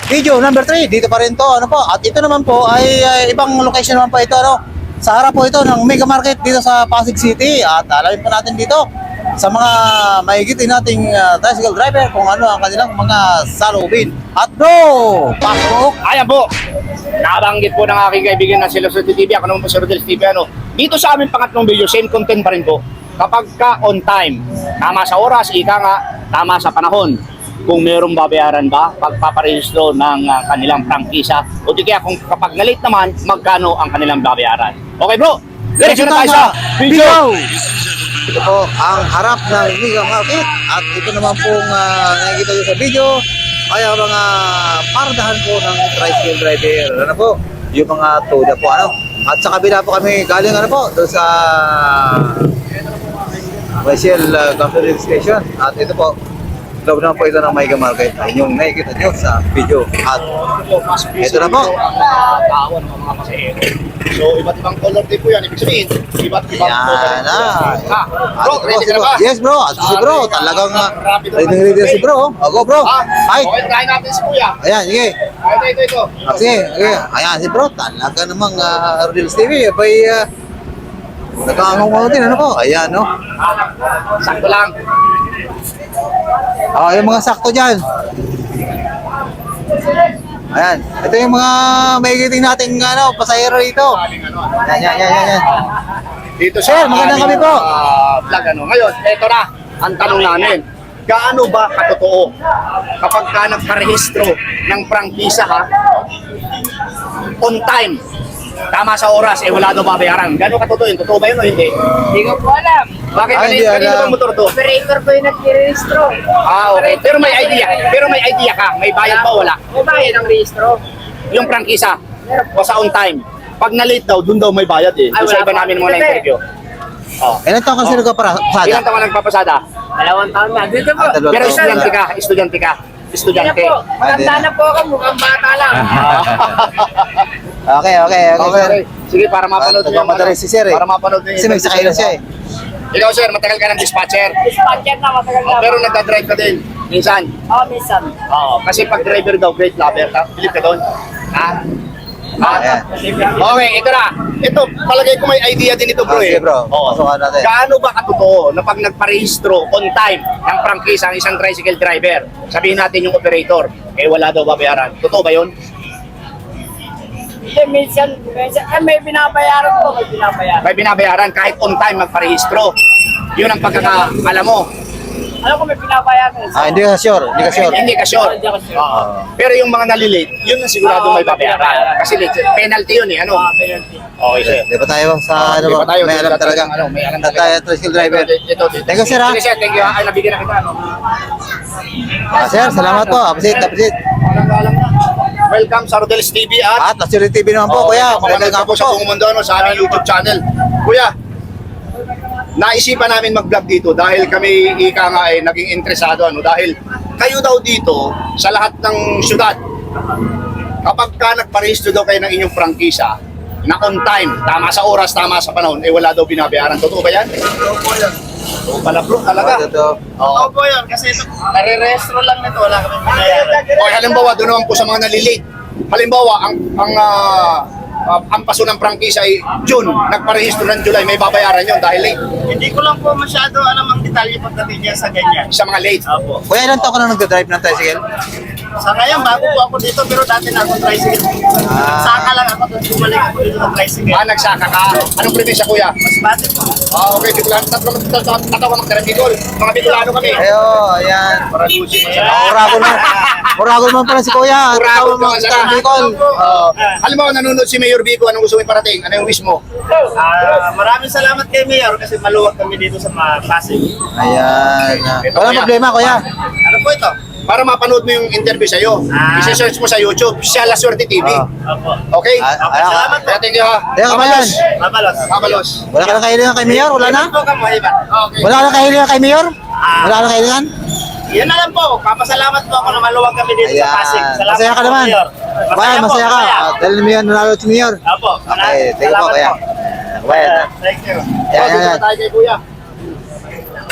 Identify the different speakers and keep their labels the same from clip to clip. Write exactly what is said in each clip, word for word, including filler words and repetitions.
Speaker 1: video number three, dito pa rin to, ano po. At ito naman po ay, ay ibang location naman po ito, ano. Sa harap po ito ng Mega Market dito sa Pasig City. At alamin po natin dito sa mga mahigitin nating uh, tricycle driver kung ano ang kanilang mga salubin. At bro, pasok!
Speaker 2: Ayan po, nabanggit po ng aking kaibigan na si Luzon T V. Ako naman po si Rodel T V. Ano, dito sa aming pangatlong video, same content pa rin po. Kapag ka on time, tama sa oras, ika nga, tama sa panahon. Kung mayroong babayaran ba pagpaparehistro ng uh, kanilang prangkisa, o di kaya kung kapag nalit naman, magkano ang kanilang babayaran. Okay bro, diretso na tayo sa video!
Speaker 1: Ito po ang harap ng Mega Market. At ito naman pong uh, nakikita nyo sa video ay ang mga pardahan po ng tricycle driver. Ano po? Yung mga toda po, ano? At sa kabila po kami galing, ano po, doon sa Wesel uh, Company Station. At ito po, loob naman po ito ng Mega Market. Ayun yung nakikita nyo sa video. At ito na po.
Speaker 2: Tao ng mga pasahero. So, iba't ibang color din po yan. Ibig sabihin, iba't ibang
Speaker 1: Yan
Speaker 2: color.
Speaker 1: na.
Speaker 2: Ha? Bro,
Speaker 1: At ito po,
Speaker 2: ready
Speaker 1: si
Speaker 2: ka na
Speaker 1: bro.
Speaker 2: ba?
Speaker 1: Yes bro. At si bro, talagang uh, ready ready na si bro. O go bro.
Speaker 2: Ha?
Speaker 1: Hi.
Speaker 2: Okay, try natin si Kuya.
Speaker 1: Ayan, sige.
Speaker 2: Ito, ito, ito.
Speaker 1: Ah, sige, sige. Ayan si bro, talaga namang uh, Rodel T V. Abay, uh, nagkakangong din, ano po? Ayan, no?
Speaker 2: Sakto lang.
Speaker 1: Ah, yung mga sakto dyan. Ayan, ito yung mga mahigiting nating ano, pasahero dito. Ayan, yan, yan, yan, yan.
Speaker 2: Dito
Speaker 1: Sir,
Speaker 2: sa
Speaker 1: magandang
Speaker 2: aming,
Speaker 1: gabi po.
Speaker 2: ah, vlog, ano. Ngayon, ito na ang tanong namin. Gaano ba katotoo kapag ka nagparehistro ng prangkisa ha, on time, tama sa oras, eh wala daw babayaran. Gaano katotoo yun? Totoo ba yun o hindi?
Speaker 3: Hindi ko po alam.
Speaker 2: Bakit
Speaker 1: Ay, hindi
Speaker 2: kanina, kanina
Speaker 1: alam.
Speaker 2: ba motor to?
Speaker 3: Operator ko yung nag-rehistro.
Speaker 2: Ah, okay. Pero may idea. Pero may idea ka. May bayad ba o wala?
Speaker 3: May bayad ang rehistro.
Speaker 2: Yung prangkisa, o sa on time. Pag na-late daw, dun daw may bayad eh.
Speaker 3: Ay,
Speaker 2: Doon sa
Speaker 3: wala
Speaker 2: iba
Speaker 3: pa.
Speaker 2: namin mga na-interview. Oh.
Speaker 1: Ilan taon kasi
Speaker 2: Oh.
Speaker 1: nagpapasada?
Speaker 2: Ilan taon ka nagpapasada?
Speaker 3: Dalawang taon na. Dito po.
Speaker 1: Ah, dalawang
Speaker 2: Pero
Speaker 1: taon
Speaker 2: estudyante
Speaker 1: na.
Speaker 2: ka, estudyante ka,
Speaker 3: Hindi na
Speaker 2: estudyante.
Speaker 3: po. Matanda na po ako. Mukhang bata lang.
Speaker 1: Okay, okay, okay,
Speaker 2: Okay,
Speaker 1: sir.
Speaker 2: okay. Sige, para mapanood
Speaker 1: Ah,
Speaker 2: niyo yung
Speaker 1: nagmamadali
Speaker 2: ano,
Speaker 1: si sir, eh.
Speaker 2: Para mapanood niyo
Speaker 1: Kasi may sakay na siya, eh.
Speaker 2: Ikaw sir, matagal ka ng dispatcher.
Speaker 3: Dispatcher na. Matagal na.
Speaker 2: Oh, pero nagdadrive ka din. Minsan.
Speaker 3: Oo, minsan.
Speaker 2: Oo, kasi pag driver daw, great lover ka. Believe ka doon. Ha? Ha?
Speaker 1: Ayan.
Speaker 2: Okay, ito na. Ito, palagay ko may idea din ito bro
Speaker 1: Ah,
Speaker 2: eh.
Speaker 1: sige, bro.
Speaker 2: Oo.
Speaker 1: Pasukan natin.
Speaker 2: Gaano ba katotoo na pag nagparehistro on time ng prangkisa ang isang tricycle driver, sabihin natin yung operator, eh wala daw babayaran. Totoo ba yun?
Speaker 3: Hindi, minsan. minsan eh, may binabayaran po. May binabayaran.
Speaker 2: May binabayaran kahit on time magparehistro. Yun ang pagkakaalam mo.
Speaker 3: Alam ko may binabayaran.
Speaker 1: Ah, hindi ka sure, hindi ka sure.
Speaker 2: Hindi ka sure.
Speaker 3: Hindi ako sure.
Speaker 2: Oo. Pero yung mga nalilate, yun ang sigurado may babayaran. Kasi late, penalty yun eh. Ano?
Speaker 3: Ah, penalty.
Speaker 2: Okay, sir.
Speaker 1: Di ba tayo sa ano
Speaker 2: Di
Speaker 1: ba?
Speaker 2: ba tayo?
Speaker 1: May
Speaker 2: Di
Speaker 1: alam
Speaker 2: ba
Speaker 1: talaga.
Speaker 2: tayo? Ano, may alam
Speaker 1: At
Speaker 2: talaga.
Speaker 1: tayo, tricycle driver.
Speaker 2: Ito, ito, ito.
Speaker 1: Thank you, sir, ha?
Speaker 2: Sige, sir. Thank you. Ay, nabigyan na kita. Ano?
Speaker 1: Ah, sir, salamat po. Appreciate, appreciate.
Speaker 2: Walang galang na. Welcome sa Rodel's T V at
Speaker 1: At Luzon T V naman po,
Speaker 2: Oo,
Speaker 1: kuya.
Speaker 2: ito,
Speaker 1: Magandang
Speaker 2: ka
Speaker 1: gabi
Speaker 2: sa
Speaker 1: po.
Speaker 2: buong mundo ano, sa aming YouTube channel. Kuya, naisipan namin mag-vlog dito dahil kami ika nga eh, naging interesado ano dahil kayo daw dito sa lahat ng syudad kapag ka nagparehistro daw kayo ng inyong prangkisa na on time, tama sa oras, tama sa panahon, eh wala daw binabayaran. Totoo ba yan?
Speaker 3: Totoo po yun.
Speaker 2: Oo pala bro, talaga.
Speaker 1: Ah, ito.
Speaker 2: Oo.
Speaker 3: Totoo po yun. Kasi ito, nare-rehistro lang nito. Wala kami binayaran.
Speaker 2: O halimbawa, doon naman po sa mga nalilate. Halimbawa, ang ang ah, ah, ang paso ng prangkisa ay June, nagparehistro ng July, may babayaran yun dahil late.
Speaker 3: Hindi ko lang po masyado alam ang detalye pagdating niya sa ganyan.
Speaker 2: Sa mga late.
Speaker 3: Opo.
Speaker 1: Kuya, ilan taon ka na nag-drive ng tricycle?
Speaker 3: Sa ngayon, bago po ako dito, pero dati na ako tricycle.
Speaker 1: Ah.
Speaker 3: Saka lang ako, tapos bumalik ako dito ng tricycle.
Speaker 2: Ah, nagsaka ka. Anong probinsya, kuya?
Speaker 3: Mas bati po.
Speaker 2: Ah, okay. Bicolano. Tatlo tatlo tatlo ka magtira Bicol. Mga Bicolano kami.
Speaker 1: Ayo, ayan.
Speaker 2: Para lusi mo siya.
Speaker 1: Ah, Urago naman. Urago naman pala si kuya.
Speaker 2: Urago
Speaker 1: Urago naman
Speaker 2: naman
Speaker 1: sa
Speaker 2: sa
Speaker 1: Bicol.
Speaker 2: Oo. Halimbawa, nanonood si Mayor Bico. Anong gusto mo iparating? Ano yung wish mo?
Speaker 3: Ah, maraming salamat kay Mayor kasi maluwag kami dito sa mga Pasig.
Speaker 1: Ayan.
Speaker 2: Ito,
Speaker 1: Walang
Speaker 2: kuya.
Speaker 1: problema, kuya.
Speaker 3: Ano po ito?
Speaker 2: Para mapanood mo yung interview sa'yo.
Speaker 3: Ah.
Speaker 2: I-search mo sa YouTube. Siya La Suerte T V.
Speaker 1: Ah.
Speaker 3: Opo.
Speaker 2: Okay?
Speaker 1: Ah,
Speaker 3: Okay,
Speaker 1: ah,
Speaker 3: salamat po.
Speaker 2: Kaya thank you ha.
Speaker 1: Teka, kabayan.
Speaker 3: Mabalos.
Speaker 2: Kabalos.
Speaker 1: Wala ka na kahilingan kay Mayor? Wala na?
Speaker 3: Ito ka mo, iba.
Speaker 2: Okay.
Speaker 1: Wala ka na kahilingan kay Mayor?
Speaker 3: Ah.
Speaker 1: Wala ka na kahilingan?
Speaker 3: Yan na lang po. Papasalamat po ako na maluwag kami dito
Speaker 1: Ayan.
Speaker 3: sa Pasig. Salamat
Speaker 1: Masaya ka
Speaker 3: po,
Speaker 1: naman.
Speaker 3: Mayor.
Speaker 1: Kabayan,
Speaker 3: po,
Speaker 1: masaya ka.
Speaker 3: masaya.
Speaker 1: Ah, Dahil Mayor, nanalo si Mayor.
Speaker 3: Opo.
Speaker 1: Okay, thank you po,
Speaker 3: Salamat
Speaker 1: kuya.
Speaker 3: po.
Speaker 1: Kabayan.
Speaker 3: Thank you.
Speaker 1: Ayan,
Speaker 2: Oh, dito
Speaker 1: ayan.
Speaker 2: na tayo kay kuya.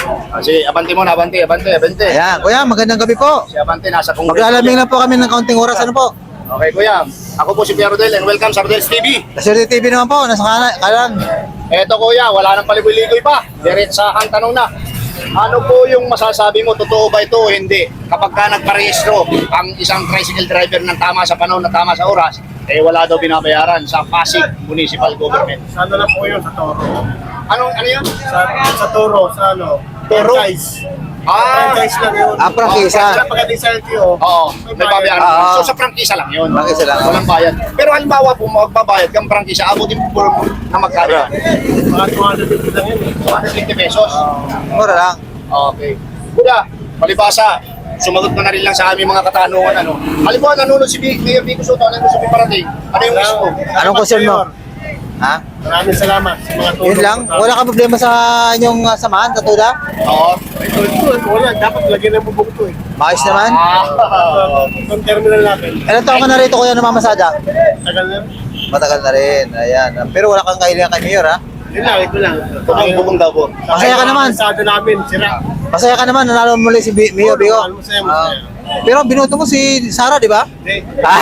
Speaker 2: Ah, sige, abante muna, abante, abante, abante.
Speaker 1: Ayan, kuya, magandang gabi po.
Speaker 2: Si Abante nasa Congress.
Speaker 1: Maglalamig na po kami ng kaunting oras. Ano po?
Speaker 2: Okay, kuya. Ako po si Pierre Rodel and welcome sa Rodel's T V.
Speaker 1: Kasuri T V naman po, nasa kanan. kanan.
Speaker 2: Eto kuya, wala nang paligoy-ligoy pa. Diretsahang tanong na. Ano po yung masasabi mo, totoo ba ito o hindi? Kapag ka nagparehistro ang isang tricycle driver ng tama sa panahon na tama sa oras, eh wala daw binabayaran sa Pasig Municipal Government.
Speaker 4: Sa ano lang po yun, sa Toro.
Speaker 2: Anong, ano yun?
Speaker 4: Sa, sa Toro, sa ano?
Speaker 2: Toro?
Speaker 4: Franchise.
Speaker 2: Ah,
Speaker 4: Franchise lang yun.
Speaker 1: Ah, prangkisa.
Speaker 4: Sa pagdating sa L T O.
Speaker 2: oo, may babayaran.
Speaker 1: Ah,
Speaker 2: So sa prangkisa lang yun.
Speaker 1: Prangkisa lang.
Speaker 2: Walang bayad. Pero halimbawa po, magbabayad kang prangkisa, abutin po na magkano?
Speaker 4: Mga two hundred fifty lang yun.
Speaker 2: two hundred fifty pesos.
Speaker 1: Mura lang.
Speaker 2: Okay. Kuya, palibasa, sumagot ka na rin lang sa aming mga katanungan. Ano? Halimbawa, nanonood si B- Mayor Vico Soto, ano yung gusto mo parating? Ano yung wish mo?
Speaker 1: Anong concern mo? Ha?
Speaker 4: Maraming salamat sa mga tulong.
Speaker 1: Yun lang? Wala ka problema sa inyong uh, samahan, katuda?
Speaker 2: Oo.
Speaker 4: Ito, ito, ito, wala. Dapat lagyan ng bubog ito eh.
Speaker 1: Maayos naman?
Speaker 2: Ah.
Speaker 4: Itong terminal natin.
Speaker 1: Ilan taon ka na rito kuya namamasada?
Speaker 4: Tagal na.
Speaker 1: Matagal na rin. Ayan. Pero wala kang kahilingan kay Mayor, ha?
Speaker 4: Yun lang, ito lang.
Speaker 2: Bubong-bubong daw po.
Speaker 1: Masaya ka naman.
Speaker 4: Sa namin, sira.
Speaker 1: Masaya ka naman, nanalo muli si B- Mayor Bigo.
Speaker 4: Masaya, masaya.
Speaker 1: Pero binuto mo si Sara, di ba?
Speaker 4: Hindi.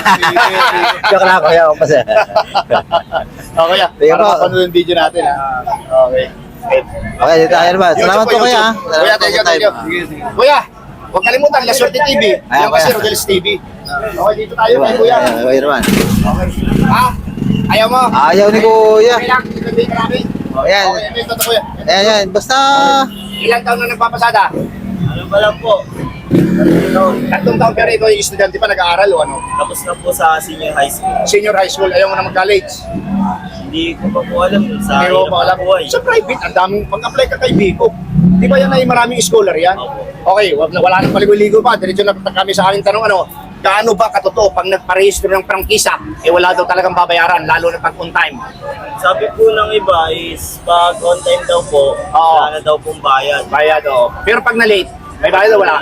Speaker 1: Joke lang, kuya. Masaya.
Speaker 2: Okay, ah.
Speaker 1: Sige
Speaker 2: Para
Speaker 1: po.
Speaker 2: mapanood yung video natin. ah. Okay. Okay.
Speaker 1: Okay, dito tayo naman. Salamat po, kuya. ha?
Speaker 2: Kuya,
Speaker 1: Salamat po
Speaker 2: thank you,
Speaker 1: sa
Speaker 2: thank
Speaker 1: time.
Speaker 2: you. Kuya, huwag kalimutan, La Suerte T V.
Speaker 1: Ayan,
Speaker 2: Yan kasi
Speaker 1: kuya.
Speaker 2: Rodel's T V. Okay, dito tayo kay kuya.
Speaker 1: Ayan, kuya naman.
Speaker 2: Ha? Ayaw mo?
Speaker 1: Ayaw ni kuya.
Speaker 2: Okay lang, ito ka namin.
Speaker 1: Ayan.
Speaker 2: Okay, ito ito, kuya.
Speaker 1: Ayan, ayan. Basta...
Speaker 2: Ilang taon na nagpapasada?
Speaker 5: Ano ba lang po?
Speaker 2: Tatlong taon pero ikaw yung estudyante pa nag-aaral o ano?
Speaker 5: Tapos na po sa senior high school.
Speaker 2: Senior high school, ayaw mo na mag-college.
Speaker 5: Hindi ko pa po alam sa
Speaker 2: Hindi mo
Speaker 5: hirap
Speaker 2: pa alam.
Speaker 5: ng buhay.
Speaker 2: Sa private, ang daming mag-apply ka kay Bico. Di ba yan ay maraming scholar yan? Okay, wag na, wala nang paligoy-ligo pa. Diretso na kami sa aking tanong, ano, gaano ba katotoo pag nagparehistro ng prangkisa, eh wala daw talagang babayaran, lalo na pag on time.
Speaker 5: Sabi po ng iba is pag on time daw po,
Speaker 2: Oo.
Speaker 5: wala na daw pong bayad.
Speaker 2: Bayad, o. Pero pag na-late, may bayad o wala?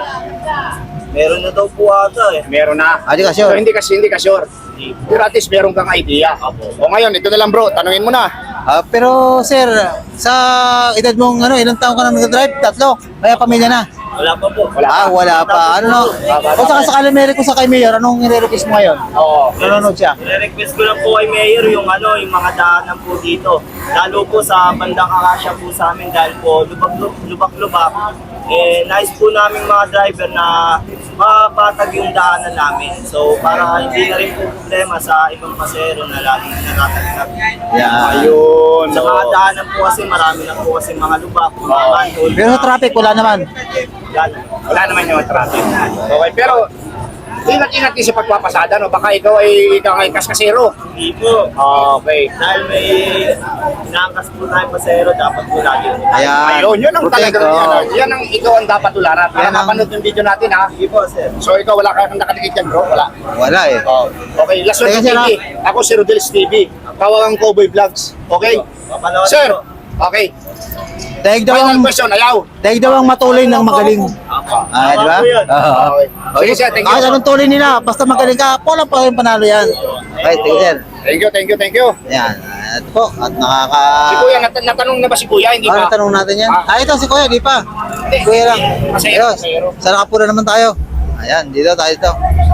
Speaker 5: Meron na daw po ata eh.
Speaker 2: Meron na.
Speaker 1: Ah, di ka sure?
Speaker 2: So, hindi ka, hindi ka sure.
Speaker 5: Hindi po.
Speaker 2: Pero at least meron kang idea. O ngayon, ito na lang bro, tanungin mo na.
Speaker 1: Ah, pero, sir, sa edad mong ano, ilang taon ka na nag-drive? Tatlo. Kaya pamilya na.
Speaker 5: Wala pa po.
Speaker 2: Wala
Speaker 1: Ah, wala pa. Ano no? Kung saka sakali may request sa kay Mayor, anong nire-request mo ngayon?
Speaker 2: Oo.
Speaker 1: Nanonood siya.
Speaker 5: Re-request ko lang po kay Mayor yung ano, yung mga daanan po dito. Lalo po sa bandang Akasya po sa amin dahil po lubak-lubak. Eh, nice po namin mga driver na mapatag yung daanan namin. So, para hindi na rin po problema sa ibang pasero na laging nakatagtag.
Speaker 1: Yeah.
Speaker 2: Ayun.
Speaker 5: Sa mga daanan po kasi, marami na po kasi mga lubak, mga manhole.
Speaker 1: Pero sa traffic, wala naman.
Speaker 5: Wala na.
Speaker 2: Wala naman yung traffic. Okay, pero ingat-ingat din sa pagpapasada, no? Baka ikaw ay ikaw ay kaskasero.
Speaker 5: Hindi po.
Speaker 2: Okay.
Speaker 5: Dahil may inaangkas po tayong pasero, dapat po lagi.
Speaker 1: Ayan.
Speaker 2: Ayun, yun ang
Speaker 1: Protect,
Speaker 2: talagang, yan,
Speaker 1: oh.
Speaker 2: ang- yan ang ikaw ang dapat tularan. Para
Speaker 1: Yan ang-
Speaker 2: mapanood yung video natin, ha?
Speaker 5: Hindi po, sir.
Speaker 2: So, ikaw wala kang nakadikit yan, bro? Wala.
Speaker 1: Wala eh.
Speaker 2: Oh. Okay, last one
Speaker 1: Teka,
Speaker 2: T
Speaker 1: sir,
Speaker 2: V. Ako si Rodel's T V. Kawagang Cowboy Vlogs. Okay?
Speaker 5: Papanood
Speaker 2: Sir,
Speaker 5: po.
Speaker 2: okay.
Speaker 1: Daig daw
Speaker 2: Final
Speaker 1: ang,
Speaker 2: question, ayaw.
Speaker 1: daig daw ang matuloy ng magaling. Ah, di ba?
Speaker 5: po yun.
Speaker 1: Oo.
Speaker 2: Okay. Sige, sir, thank you.
Speaker 1: Kahit anong tuloy nila, basta magaling ka, wala pa yung panalo yan. Okay, thank you, sir.
Speaker 2: Thank you, thank you, thank you.
Speaker 1: Ayan. Ito po, at nakaka...
Speaker 2: Si Kuya, nat- natanong na ba si Kuya? Hindi
Speaker 1: Ano
Speaker 2: pa.
Speaker 1: tanong natin yan?
Speaker 2: Ah.
Speaker 1: Ah, ito si Kuya, di pa.
Speaker 2: Hindi.
Speaker 1: Kuya lang.
Speaker 2: Masayro,
Speaker 1: Ayos.
Speaker 2: masayro.
Speaker 1: Sa nakapura naman tayo. Ayan, dito tayo dito.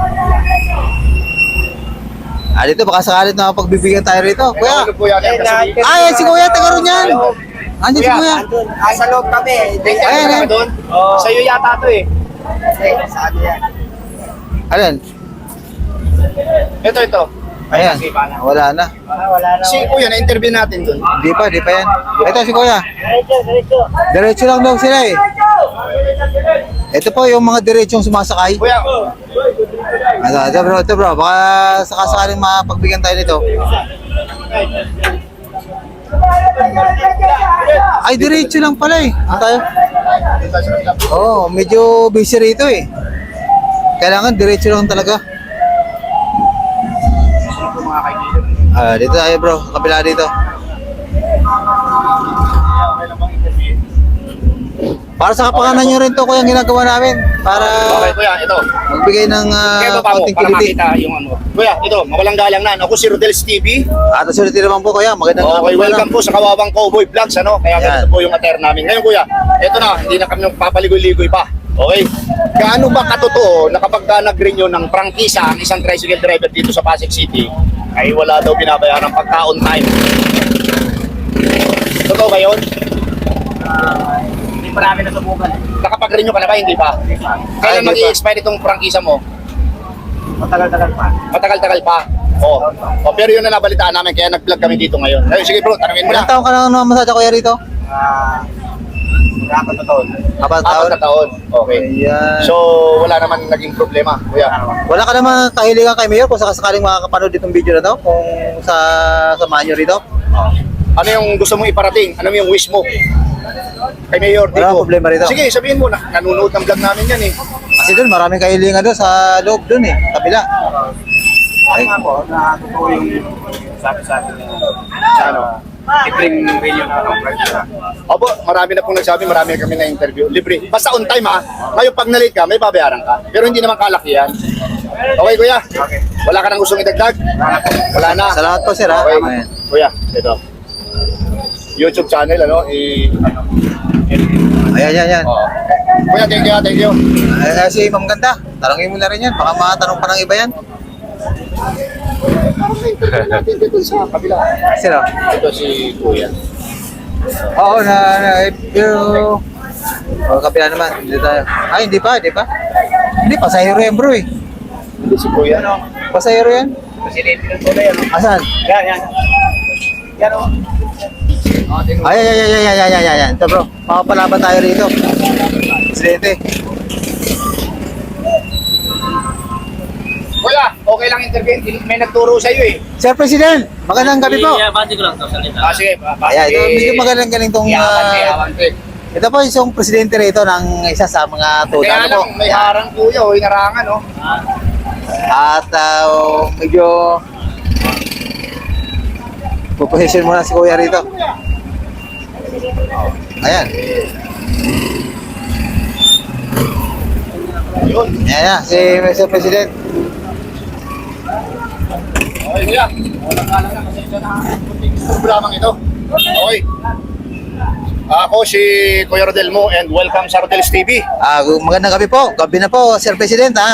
Speaker 1: Ah, dito, baka sakalit na pagbibigyan tayo rito. Kuya!
Speaker 2: Ano, Kuya? Ano, kasi-
Speaker 1: Ay, si Kuya, taga ron yan. Andiyan si Kuya.
Speaker 3: Ah, sa loob kami.
Speaker 2: Thank you,
Speaker 1: Ayan,
Speaker 2: ano
Speaker 1: ayan.
Speaker 2: ka doon?
Speaker 5: Oo.
Speaker 2: Sa'yo yata to eh.
Speaker 3: Sa ano yan?
Speaker 1: Alin?
Speaker 2: Ito, ito.
Speaker 1: Ayan. Wala na.
Speaker 3: Ah, wala na.
Speaker 2: Si Kuya, na-interview natin doon.
Speaker 1: Hindi pa, di pa yan. Ito si Kuya.
Speaker 3: Diretso, diretso.
Speaker 1: Diretso lang daw sila eh. Ito po yung mga diretsong sumasakay.
Speaker 2: Kuya,
Speaker 1: Ito, ito bro, ito bro. Baka sakasakaling mapagbigyan tayo nito. Ay, diretso lang pala eh. Ano tayo? Oo, oh, medyo busy rito eh. Kailangan diretso lang talaga.
Speaker 2: mga kaibigan.
Speaker 1: Ah, dito tayo bro, kabila dito.
Speaker 2: Okay lang bang interview?
Speaker 1: Para sa kapakanan nyo rin to kuya ang ginagawa namin. Para
Speaker 2: Okay, kuya, ito.
Speaker 1: magbigay ng uh,
Speaker 2: Kaya baba mo,
Speaker 1: konting
Speaker 2: para
Speaker 1: kiliti.
Speaker 2: makita yung ano. Kuya, ito, mawalang galang na. Ako si Rodel's T V.
Speaker 1: At sulit naman po kuya. Magandang
Speaker 2: Okay,
Speaker 1: hapon
Speaker 2: welcome po sa Kawawang Cowboy Vlogs, ano? Kaya
Speaker 1: Yan.
Speaker 2: ganito po yung attire namin. Ngayon, kuya, ito na, hindi na kami papaligoy-ligoy pa. Okay? Gaano ba katotoo na kapag ka nag-renew ng prangkisa ang isang tricycle driver dito sa Pasig City, ay wala daw binabayaran pagka on time? Totoo ba yun?
Speaker 3: Hindi pa namin nasubukan.
Speaker 2: Nakapag-renew ka na ba? Hindi pa. Kailan
Speaker 1: hindi pa.
Speaker 2: mag-i-expire itong prangkisa mo?
Speaker 3: Matagal-tagal pa.
Speaker 2: Matagal-tagal pa. Oo. Oh. Pero yun na nabalitaan namin, kaya nag-vlog kami dito ngayon. Ngayon, sige bro, tanungin mo
Speaker 1: Ilang
Speaker 2: na.
Speaker 1: taon ka na mamasada kuya rito?
Speaker 3: Ah, apat na taon.
Speaker 1: Apat
Speaker 2: Apat
Speaker 1: taon?
Speaker 2: na taon. Okay.
Speaker 1: Ayan.
Speaker 2: So, wala naman naging problema, kuya.
Speaker 1: Wala ka naman kahilingan kay Mayor kung sakasakaling makakapanood itong video na to? Kung sa samahan nyo rito?
Speaker 2: Ano yung gusto mong iparating? Ano yung wish mo? Kay Mayor
Speaker 1: Wala
Speaker 2: Dico.
Speaker 1: problema rito.
Speaker 2: Sige, sabihin mo na. Nanunood ng vlog namin yan eh.
Speaker 1: Kasi doon maraming kahilingan doon sa loob doon eh, kabila.
Speaker 3: Ay nga po, na totoo yung sabi sa atin
Speaker 2: Sa ano?
Speaker 3: libreng million na ng price.
Speaker 2: Opo, marami na pong nagsabi, marami na kami na interview. Libre. Basta on time ha. Ngayon pag na-late ka, may babayaran ka. Pero hindi naman kalakihan. Okay, kuya?
Speaker 3: Okay.
Speaker 2: Wala ka nang gustong idagdag? Wala na.
Speaker 1: Salamat po sir ha.
Speaker 2: Okay.
Speaker 1: Ayan.
Speaker 2: Kuya, ito. YouTube channel, ano? I, ano?
Speaker 1: Ayan, ayan, ayan.
Speaker 2: Oo. Kuya, thank you, ha, thank you.
Speaker 1: Ay, ay, si Ma'am Ganda, tanongin mo na rin yan. Baka matanong pa ng iba yan.
Speaker 2: Dito sa kabila.
Speaker 1: Sino?
Speaker 2: Ito si Kuya.
Speaker 1: Oo, na, na, pero... O, kabila naman. Hindi tayo. Ay, hindi pa, hindi pa. Hindi, pasahero yan bro eh.
Speaker 2: Hindi si Kuya.
Speaker 1: Pasahero yan.
Speaker 3: Presidente ng tunay yan.
Speaker 1: Asan?
Speaker 3: Yan, yan. Yan o.
Speaker 1: Ay, ay, ay, ay, ay, ay, ay, ay, ay. Ito bro, makapalaban tayo rito. Presidente.
Speaker 2: Kuya, okay lang intervene. May nagturo sa iyo eh.
Speaker 1: Sir President, magandang gabi po.
Speaker 3: bati ko lang to sa
Speaker 2: Ah, sige. pa- pa-
Speaker 1: Ayan, ito,
Speaker 2: eh,
Speaker 1: medyo magandang galing tong...
Speaker 2: Iawante,
Speaker 1: ah,
Speaker 2: iawante.
Speaker 1: ito po isang presidente rito ng isa sa mga tuda.
Speaker 2: Kaya
Speaker 1: Ano po?
Speaker 2: lang, may harang kuya o inarangan, no?
Speaker 1: At uh, medyo puposition muna si Kuya rito. Ayan.
Speaker 2: Yun.
Speaker 1: Ayan na, si Mister President.
Speaker 2: Okay, kuya. Walang kalang na kasi ito na. Programang ito. Okay. Ako si Kuya Rodel Mo and welcome sa Rodel's T V.
Speaker 1: Ah, magandang gabi po. Gabi na po, Sir President. Ha?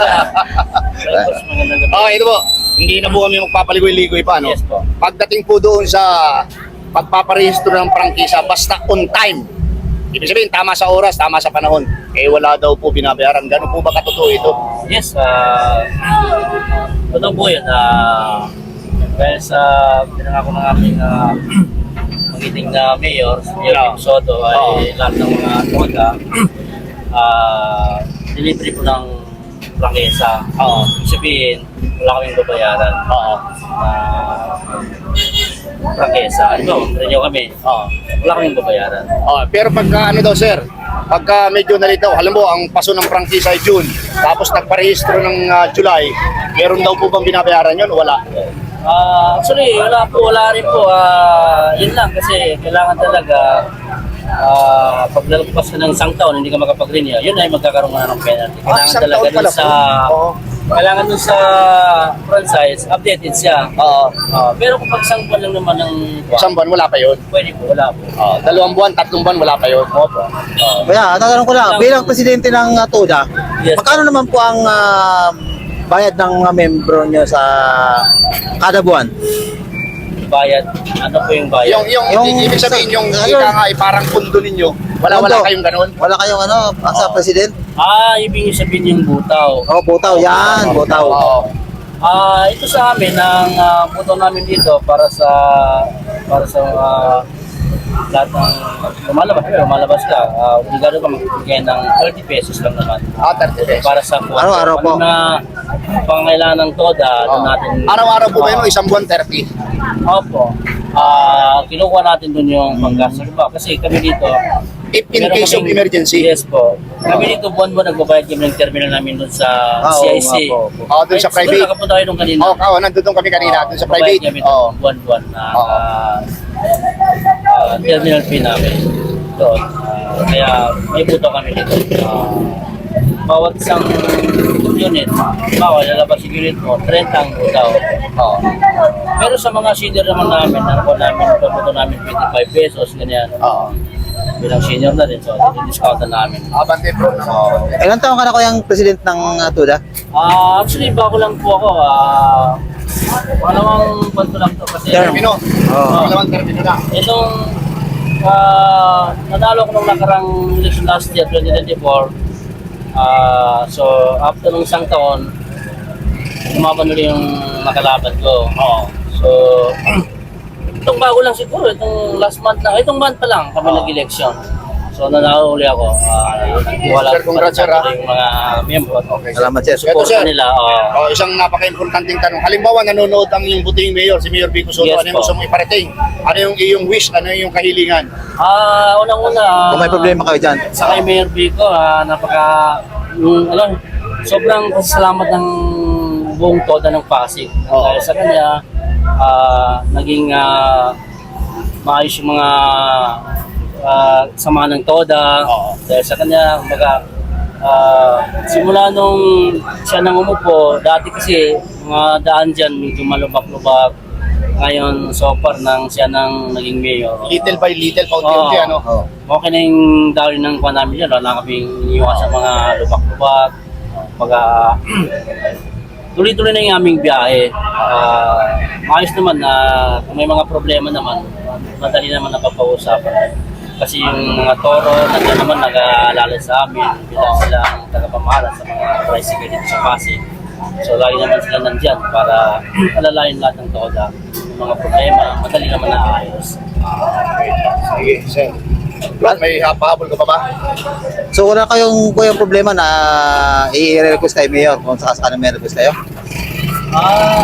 Speaker 2: Okay, ito po. Hindi na po kami magpapaligoy-ligoy pa, no?
Speaker 3: Yes po.
Speaker 2: Pagdating po doon sa pagpaparehistro ng prangkisa, basta on time. Ibig sabihin, tama sa oras, tama sa panahon. Eh, wala daw po binabayaran. Gano'n po ba katotoo ito?
Speaker 6: Yes, ah totoo po yun. Ah, dahil sa pinangako ng aming uh, magiting na mayor, Mayor
Speaker 2: Oo.
Speaker 6: Kim Soto, ay lahat ng mga toga, ah delivery po ng prangkesa. Oo. Ibig sabihin, wala kaming babayaran. Oo. Uh, prangkesa. Ano, renew kami. Oo. Wala kaming babayaran.
Speaker 2: Oh, pero pagka ano daw, sir, pagka medyo nalito, alam mo, ang paso ng prangkisa ay June, tapos nagparehistro ng ah, July, meron daw po bang binabayaran yun? Wala.
Speaker 6: Ah, actually, wala po, wala rin po. Ah, yun lang kasi kailangan talaga ah pag nalagpas ka ng isang taon, hindi ka makapag-renew, yun ay magkakaroon ka na ng penalty.
Speaker 2: Ah,
Speaker 6: Kailangan
Speaker 2: isang
Speaker 6: talaga
Speaker 2: taon pala
Speaker 6: dun sa
Speaker 2: po. Oo.
Speaker 6: kailangan dun sa franchise, updated siya.
Speaker 2: Oo.
Speaker 6: Ah, pero kung pag isang buwan lang naman ng
Speaker 2: Isang buwan, wala pa yun.
Speaker 6: pwede po, wala po.
Speaker 2: Oh, dalawang buwan, tatlong buwan, wala pa yun. Opo.
Speaker 1: Kaya, tatanong ko lang, bilang presidente ng uh, tuda,
Speaker 6: Yes.
Speaker 1: magkano naman po ang ah, bayad ng mga membro nyo sa kada buwan?
Speaker 6: Bayad, ano po yung bayad?
Speaker 2: Yung, yung,
Speaker 1: Yung-
Speaker 2: ibig sabihin, yung
Speaker 1: Ayun.
Speaker 2: ika nga, ay parang pundo ninyo. Wala, wala
Speaker 1: Pondo.
Speaker 2: kayong ganun.
Speaker 1: Wala kayong ano, ang sa president?
Speaker 6: Ah, ibig sabihin yung butaw.
Speaker 1: Oh, butaw, yan, butaw.
Speaker 2: Oo.
Speaker 6: Ah, ito sa amin ang uh, buto namin dito para sa para sa ah, lahat ng lumalabas, eh, lumalabas ka. Uh, obligado ka magbigay ng thirty pesos lang naman
Speaker 2: Ah, thirty pesos.
Speaker 6: para sa kwarto.
Speaker 1: Araw-araw po.
Speaker 6: Ano na pangailangan ng toda, doon
Speaker 2: Oo.
Speaker 6: natin.
Speaker 2: Araw-araw po ba yun o
Speaker 6: Oo.
Speaker 2: isang buwan, thirty?
Speaker 6: Opo. Ah, kinukuha natin doon yung panggastos ba kasi kami dito
Speaker 2: If in
Speaker 6: meron
Speaker 2: case of
Speaker 6: kaming-
Speaker 2: emergency.
Speaker 6: Yes po. Kami dito buwan-buwan nagbabayad kami ng terminal namin doon sa
Speaker 1: Ah,
Speaker 6: C I
Speaker 1: oo
Speaker 6: C.
Speaker 1: nga po, opo.
Speaker 2: Oo, doon sa
Speaker 6: Siguro
Speaker 2: private.
Speaker 6: nakapunta kayo nung kanina.
Speaker 2: Oo, oh, nandun kami kanina, doon sa
Speaker 6: Magbabayad
Speaker 2: private.
Speaker 6: kami
Speaker 2: Oo.
Speaker 6: ng buwan-buwan na
Speaker 2: Oo.
Speaker 6: ah, ah, terminal fee namin. doon. Ah, kaya may buto kami dito. Ah, bawat isang unit, bawal lalabas yung unit mo, thirty ang butaw. Oo. Pero sa mga senior naman namin, ano namin, pabuto namin twenty-five pesos, ganyan.
Speaker 1: Oo.
Speaker 6: Bilang senior na rin, so discount na namin.
Speaker 2: Abante bro. So,
Speaker 1: Ilan taon ka na kayang president ng uh, Tuda?
Speaker 6: Ah, actually, bago lang po ako. Ah, pangalawang buwan ko lang to kasi
Speaker 1: Term.
Speaker 2: Termino.
Speaker 1: Oo.
Speaker 2: Dalawang termino na.
Speaker 6: itong ah, nanalo ko nung nakarang election last year, twenty twenty-four. Ah, so, after nung isang taon, umaban ulit yung nakalaban ko.
Speaker 2: Oo.
Speaker 6: So, itong bago lang siguro, itong last month na, itong month pa lang kami nag-election. So, nanalo ulit ako. Ah, wala
Speaker 2: Sir, congrats, sir, ah.
Speaker 6: yung mga miyembro.
Speaker 2: Okay.
Speaker 1: Salamat, sir.
Speaker 2: Ito, sir.
Speaker 6: Support nila. ah.
Speaker 2: Oh, isang napaka-importanting tanong. Halimbawa, nanonood ang yung buting mayor, si Mayor Vico Soto.
Speaker 6: Yes,
Speaker 2: Ano yung
Speaker 6: po.
Speaker 2: gusto mong iparating? Ano yung iyong wish? Ano yung kahilingan?
Speaker 6: Ah, unang-una.
Speaker 1: Kung may problema kayo dyan.
Speaker 6: Sa kay Mayor Vico, ah, napaka, yung, ano, sobrang salamat ng buong toda ng Pasig.
Speaker 2: Oo.
Speaker 6: Dahil sa kanya, ah, naging ah, maayos yung mga ah, samahan ng toda.
Speaker 2: Oo.
Speaker 6: Dahil sa kanya, kumbaga, ah, simula nung siya nang umupo, dati kasi mga daan dyan, medyo malubak-lubak. Ngayon, so far, nang siya nang naging mayor.
Speaker 2: Little by little, paunti-unti,
Speaker 6: Oo.
Speaker 2: ano?
Speaker 1: Oo.
Speaker 6: Okay na yung dahil ng kuha namin yan, wala kaming iniwan sa mga lubak-lubak. Pagka tuloy-tuloy na yung aming biyahe. Ah, maayos naman na kung may mga problema naman, madali naman napapausapan. Kasi yung mga toro, nandiyan naman nag-aalala sa amin bilang sila ang tagapamahala sa mga tricycle dito sa Pasig. So lagi naman sila nandyan para alalayan lahat ng toda. Yung mga problema, madali naman naayos.
Speaker 2: Sige, sir. Brad, may hapahabol ka pa ba?
Speaker 1: So wala kayong kayong problema na i-request kay Mayor kung sakasakali may request kayo?
Speaker 6: Ah,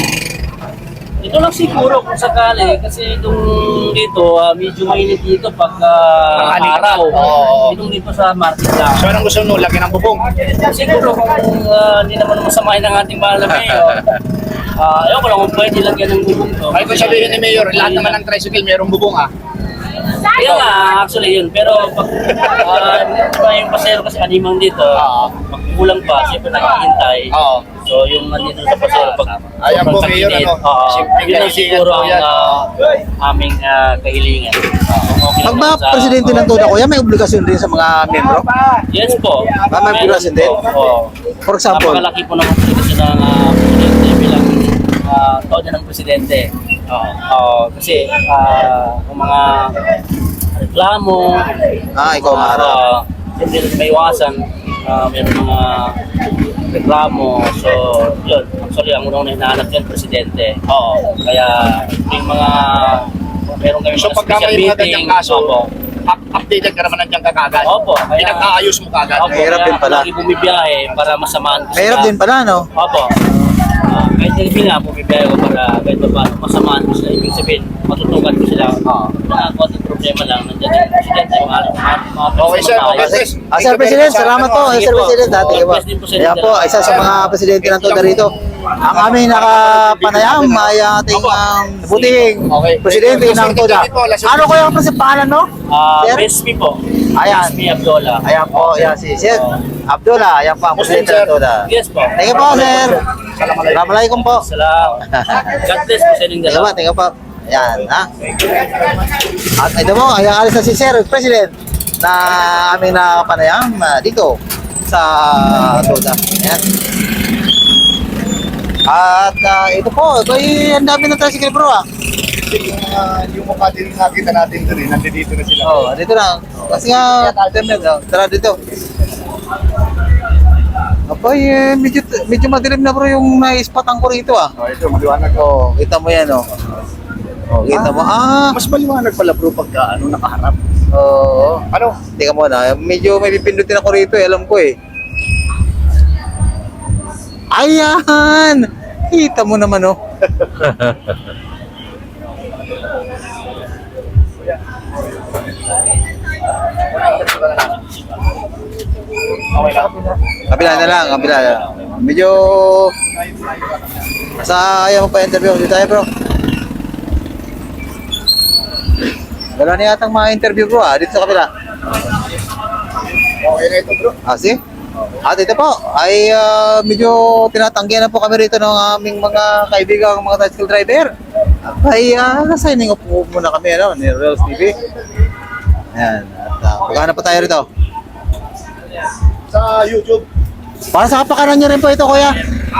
Speaker 6: ito lang siguro kung sakali kasi itong dito ah, medyo mainit dito pag ah,
Speaker 2: Tanghali.
Speaker 6: araw.
Speaker 2: Oo.
Speaker 6: Itong dito sa market lang.
Speaker 2: So, anong gusto mo? Lagyan ng bubong?
Speaker 6: Siguro kung ah, hindi naman masamahin ng ating mahal na mayor, ah, ayaw ko lang kung pwede lagyan ng bubong to.
Speaker 2: Ay, kung sabihin ni Mayor, lahat naman ng tricycle mayroong bubong, ah.
Speaker 6: Kaya nga, actually yun. Pero pag uh, yung pasero kasi animang dito,
Speaker 2: Oo.
Speaker 6: pag kulang pa, siyempre naghihintay.
Speaker 2: Oo.
Speaker 6: So yung nandito sa pasero, pag
Speaker 2: Ayan po,
Speaker 6: sobrang
Speaker 2: Mayor,
Speaker 6: tag-init,
Speaker 2: ano,
Speaker 6: oo,
Speaker 2: simpleng
Speaker 6: yun ang
Speaker 2: kahilingan
Speaker 6: siguro
Speaker 2: po
Speaker 6: ang
Speaker 2: yan.
Speaker 6: ah, aming ah, kahilingan. Kung okay
Speaker 1: Pag
Speaker 6: naman
Speaker 1: ba
Speaker 6: sa-
Speaker 1: presidente ng Tuda, kuya, may obligasyon din sa mga membro?
Speaker 6: Yes po.
Speaker 1: Ah, may
Speaker 6: Meron
Speaker 1: obligasyon din?
Speaker 6: po, oo.
Speaker 1: For example?
Speaker 6: Napakalaki po naman kasi ng uh, presidente bilang uh, toda ng presidente. Oo. Oo, kasi ah, kung mga reklamo,
Speaker 1: Ah, ikaw ang harap.
Speaker 6: uh, hindi rin may iwasan, uh, meron mga reklamo. So, yun. Actually, ang unang hinahanap yan, presidente. Oo. Kaya, yung mga, meron kami
Speaker 2: So,
Speaker 6: mga
Speaker 2: pagka
Speaker 6: special
Speaker 2: may mga
Speaker 6: meeting.
Speaker 2: ganyang kaso,
Speaker 6: Opo.
Speaker 2: up- updated ka naman nandiyan kagad.
Speaker 6: Opo. Kaya-
Speaker 2: Pinag-aayos mo kagad.
Speaker 6: Opo,
Speaker 1: Mahirap
Speaker 6: kaya
Speaker 1: din pala.
Speaker 6: lagi bumibiyahe para masamaan ko
Speaker 1: Mahirap
Speaker 6: sila.
Speaker 1: din pala, no?
Speaker 6: Opo. Ah, kahit hindi nga, bumibiyahe ko para kahit pa paano masamaan ko sila. Ibig sabihin, matutukan ko sila.
Speaker 1: Oo.
Speaker 6: Mga konting problema lang, nandiyan yung presidente. Mga, mga, mga
Speaker 2: Okay, sir. Okay,
Speaker 6: maayos.
Speaker 2: sir.
Speaker 1: Ah, Sir President, salamat po. Eh,
Speaker 6: Sige
Speaker 1: Sir
Speaker 6: po.
Speaker 1: President, dati
Speaker 6: Oo,
Speaker 1: ba?
Speaker 6: bless din po sa
Speaker 1: Kaya
Speaker 6: inyo.
Speaker 1: po, isa sa mga presidente ng Tuda rito. Ang aming nakapanayam ay ating um, buting
Speaker 2: Okay.
Speaker 1: presidente ng Tuda. Ano ko yung kasi pangalan, no?
Speaker 6: Ah,
Speaker 1: Sir?
Speaker 6: Best me po.
Speaker 1: Ayan.
Speaker 6: Best me Abdola.
Speaker 1: Ayan po, ayan si Sir Abdullah. Ayan po ang
Speaker 2: Muslim,
Speaker 1: presidente ng
Speaker 2: sir.
Speaker 1: Tuda.
Speaker 6: Yes po.
Speaker 1: Thank you po, Sir. Assalamualaikum po.
Speaker 6: Salamat. God bless po sa inyong
Speaker 1: Thank you po,
Speaker 6: dalawa.
Speaker 1: thank you po. Ayan, ha? At ito po, ayan alis na si Sir President na aming nakapanayam ah, dito sa Tuda. Ayan. At ah, ito po, ito ay ang dami ng tricycle bro ah.
Speaker 2: Yung, uh, yung mukha din nakita natin doon eh, nandito na sila.
Speaker 1: Oh, dito na. Kasi nga, internet, oh. Tara dito. Abay, eh, medyo, medyo madilim na bro yung na-spotang ko rito ah.
Speaker 2: Oh, ito, maliwanag ko.
Speaker 1: Oh, kita mo yan oh. Oh, kita mo. Ah,
Speaker 2: Mas maliwanag pala bro pagka ano, nakaharap.
Speaker 1: oo.
Speaker 2: Ano?
Speaker 1: Tika mo na, medyo may pipindutin ako rito eh, alam ko eh. Ayan! Kita mo naman oh.
Speaker 2: Okay lang.
Speaker 1: Kabila na lang, kabila na lang. Medyo... Sa ayaw mo pa interview, dito tayo bro. Wala na yatang mga interview bro ah, dito sa kabila.
Speaker 2: Okay na ito bro.
Speaker 1: Ah, see? At ito po, ay ah, medyo tinatanggihan na po kami rito ng aming mga kaibigang mga tricycle driver. Ay uh, signing off po muna kami ano, ni Reels T V. Ayan, at uh, pagkana pa tayo rito.
Speaker 2: Sa YouTube.
Speaker 1: Para sa kapakanan nyo rin po ito kuya.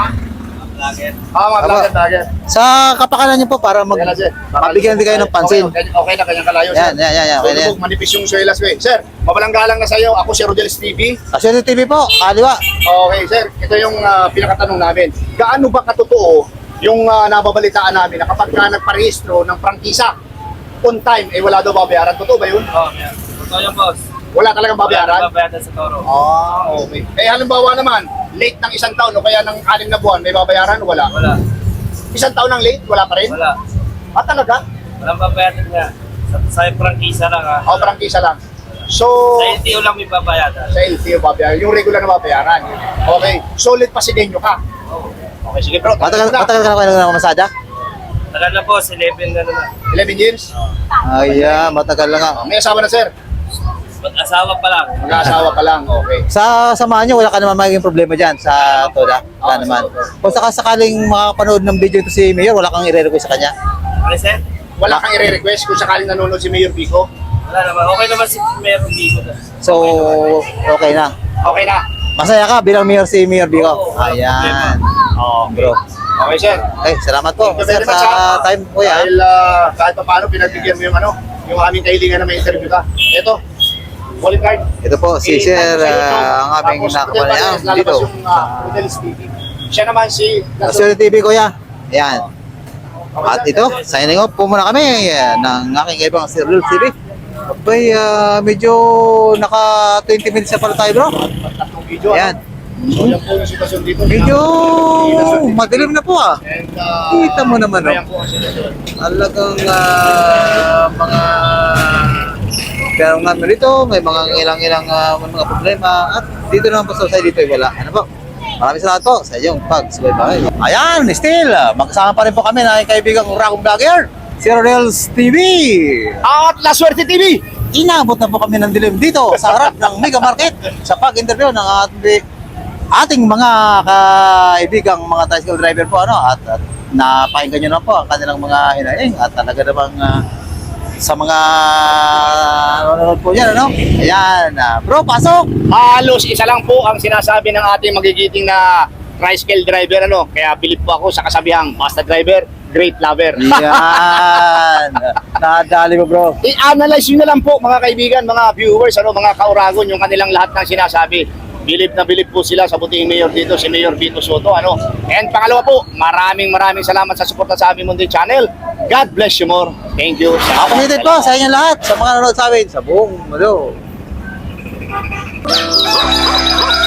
Speaker 2: Ah, mga
Speaker 1: Aba.
Speaker 2: vlogger, vlogger.
Speaker 1: Sa kapakanan nyo po para mag
Speaker 2: Ayan na, sir.
Speaker 1: mabigyan din kayo ng pansin.
Speaker 2: Okay, okay, okay na, kanyang kalayo,
Speaker 1: Yan, yan, yan, yan, okay na yan.
Speaker 2: Lulubog, manipis yung suelas ko eh. Sir, mabalang galang na sa iyo. Ako si Rodel's T V.
Speaker 1: Asyente T V po, kaliwa.
Speaker 2: Okay, sir. Ito yung uh, pinakatanong namin. Gaano ba katotoo yung uh, nababalitaan namin na kapag ka nagparehistro ng prangkisa on time, eh wala daw babayaran? Totoo ba yun?
Speaker 6: Oo, oh, yan. Totoo yan, boss.
Speaker 2: Wala talagang babayaran?
Speaker 6: Babayaran sa Toro.
Speaker 2: Ah, okay. Eh halimbawa naman, late ng isang taon o kaya ng anim na buwan, may babayaran o wala?
Speaker 6: Wala.
Speaker 2: Isang taon ng late, wala pa rin?
Speaker 6: Wala.
Speaker 2: Ah, talaga?
Speaker 6: Walang babayaran nga. Sa, sa prangkisa lang ha.
Speaker 2: O, prangkisa lang. So,
Speaker 6: Sa L T O lang may babayaran.
Speaker 2: sa L T O babayaran, yung regular na babayaran. Okay, solid pasidenyo ka. Okay, sige bro.
Speaker 1: Matagal, matagal ka na kayo ng masada?
Speaker 6: Tagal na, boss. eleven na na.
Speaker 2: eleven years?
Speaker 1: Ay, ah, matagal na nga.
Speaker 2: May asawa na sir?
Speaker 6: Mag-asawa pa lang.
Speaker 2: Mag-asawa pa lang, okay.
Speaker 1: Sa samahan nyo, wala ka naman magiging problema dyan sa Toda. Wala naman. Kung sakasakaling makapanood ng video ito si Mayor, wala kang i-request sa kanya.
Speaker 6: Ano, sir?
Speaker 2: Wala kang i-request kung sakaling nanonood si Mayor Pico?
Speaker 6: Wala naman. Okay naman si Meron dito.
Speaker 1: So, okay na.
Speaker 2: Okay na.
Speaker 1: Masaya ka bilang Mayor si Mayor Bico. Ayan.
Speaker 2: Oh,
Speaker 1: Bro.
Speaker 2: Okay sir.
Speaker 1: Okay, salamat po.
Speaker 2: Thank you
Speaker 1: Sir,
Speaker 2: very much,
Speaker 1: sa
Speaker 2: ha.
Speaker 1: time po yan.
Speaker 2: Dahil uh, kahit pa paano pinagbigyan mo yung ano, yung aming kahilingan na may interview ka. Ito, wallet card.
Speaker 1: Ito po, si
Speaker 2: Eh,
Speaker 1: Sir,
Speaker 2: tapos sa ito,
Speaker 1: ah, ang aming
Speaker 2: tapos
Speaker 1: nakakuha
Speaker 2: lalabas
Speaker 1: niya
Speaker 2: lalabas
Speaker 1: dito.
Speaker 2: yung uh, Rodel's T V. Siya naman si...
Speaker 1: Asyente T V, kuya. Ayan. At ito, signing off po muna kami eh, ng aking ibang Sir Reels T V. Abay, ah, medyo naka twenty minutes na pala tayo bro.
Speaker 2: Tatlong video.
Speaker 1: Ayan.
Speaker 2: Ano? So yan po yung sitwasyon dito.
Speaker 1: Medyo madilim na po ah.
Speaker 2: And, uh,
Speaker 1: Kita mo naman, no?
Speaker 2: ayan po ang sitwasyon.
Speaker 1: Talagang ah, mga pero nga dito, may mga ilang-ilang ah, mga problema at dito naman po sa side dito ay wala. Ano po? Maraming salamat po sa inyong pagsubaybay. Ayan, still, ah, magkasama pa rin po kami na kaibigang Rakong Vlogger, si Reels T V.
Speaker 2: At La Suerte T V!
Speaker 1: Inabot na po kami ng dilim dito sa harap ng Mega Market sa pag-interview ng ating, ating mga kaibigang mga tricycle driver po ano at, at napakinggan nyo na po ang kanilang mga hinaing at talaga namang ah, sa mga nanonood po yan ano. Ayan, ah, bro, pasok!
Speaker 2: Halos isa lang po ang sinasabi ng ating magigiting na tricycle driver ano. Kaya bilib po ako sa kasabihang basta driver, great lover.
Speaker 1: Yan! Nadali mo bro.
Speaker 2: I-analyze nyo na lang po mga kaibigan, mga viewers, ano, mga kauragon, yung kanilang lahat ng sinasabi. Bilib na bilib po sila sa buting mayor dito, si Mayor Vito Soto. Ano? And pangalawa po, maraming maraming salamat sa suporta sa aming Mundo Channel. God bless you more. Thank you.
Speaker 1: Appreciated po sa inyo lahat sa mga nanonood sa amin sa buong mundo.